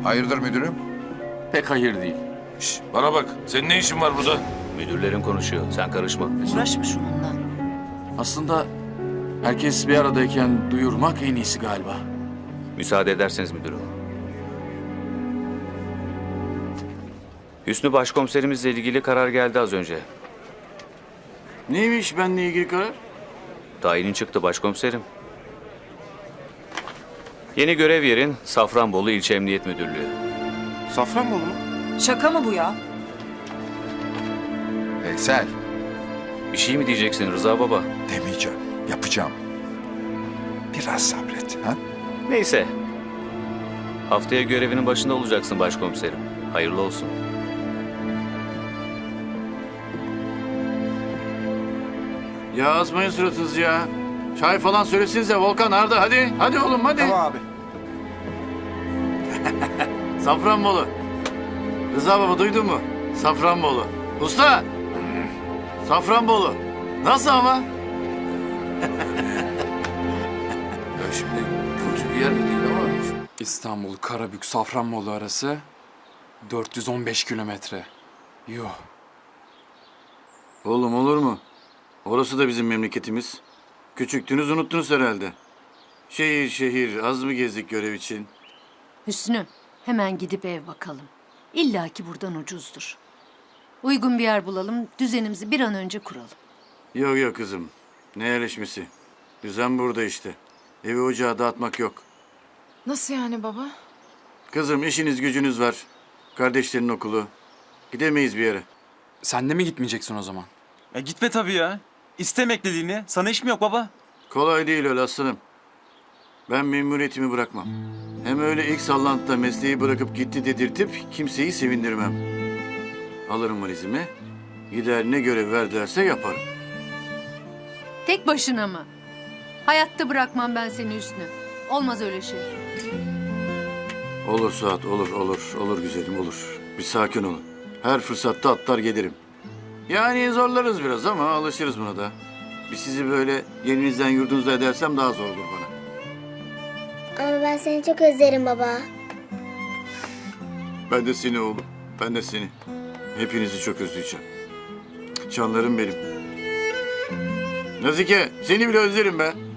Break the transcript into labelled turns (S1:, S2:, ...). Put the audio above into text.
S1: Hayırdır müdürüm?
S2: Pek hayır değil.
S3: Şş, bana bak, senin ne işin var burada?
S4: Müdürlerin konuşuyor. Sen karışma.
S5: Uğraşma şununla.
S2: Aslında herkes bir aradayken duyurmak en iyisi galiba.
S4: Müsaade ederseniz müdürüm. Hüsnü başkomiserimizle ilgili karar geldi az önce.
S6: Neymiş benimle ilgili karar?
S4: Tayinin çıktı başkomiserim. Yeni görev yerin Safranbolu İlçe Emniyet Müdürlüğü.
S6: Safranbolu mu?
S5: Şaka mı bu ya?
S1: Veysel,
S4: Bir şey mi diyeceksin Rıza Baba?
S1: demeyeceğim. Yapacağım. Biraz sabret. Ha?
S4: Neyse. Haftaya görevinin başında olacaksın başkomiserim. Hayırlı olsun.
S6: Ya asmayın suratınızı ya. Çay falan söylesinize Volkan, Arda hadi. Hadi oğlum hadi.
S7: Tamam abi.
S6: Safranbolu. Rıza baba duydun mu? Safranbolu. Usta. Safranbolu. Nasıl ama?
S3: Ya şimdi kötü bir yer de değil ama...
S2: İstanbul, Karabük, Safranbolu arası 415 kilometre. Yuh.
S6: Oğlum olur mu? Orası da bizim memleketimiz. Küçüktünüz unuttunuz herhalde. Şehir şehir az mı gezdik görev için?
S8: Hüsnü, hemen gidip ev bakalım. İlla ki buradan ucuzdur. Uygun bir yer bulalım, düzenimizi bir an önce kuralım.
S6: Yok yok kızım. Ne yerleşmesi? Düzen burada işte. Evi ocağı dağıtmak yok.
S5: Nasıl yani baba?
S6: Kızım işiniz gücünüz var. Kardeşlerin okulu. Gidemeyiz bir yere.
S2: Sen de mi gitmeyeceksin o zaman?
S7: Gitme tabii ya. İste emekliliğini. Sana iş mi yok baba?
S6: Kolay değil öyle aslanım. Ben memuriyetimi bırakmam. Hem öyle ilk sallantıda mesleği bırakıp gitti dedirtip kimseyi sevindirmem. Alırım valizimi. Gider ne görev verdilerse yaparım.
S8: Tek başına mı? Hayatta bırakmam ben seni Hüsnü. Olmaz öyle şey.
S6: Olur Suat olur güzelim olur. Bir sakin olun. Her fırsatta atlar gelirim. Yani zorlarız biraz ama alışırız buna da. Bir sizi böyle yerinizden yurdunuzda edersem daha zor olur bana.
S9: Ama ben seni çok özlerim baba.
S6: Ben de seni oğlum. Ben de seni. Hepinizi çok özleyeceğim. Canlarım benim. Nazike seni bile özlerim be.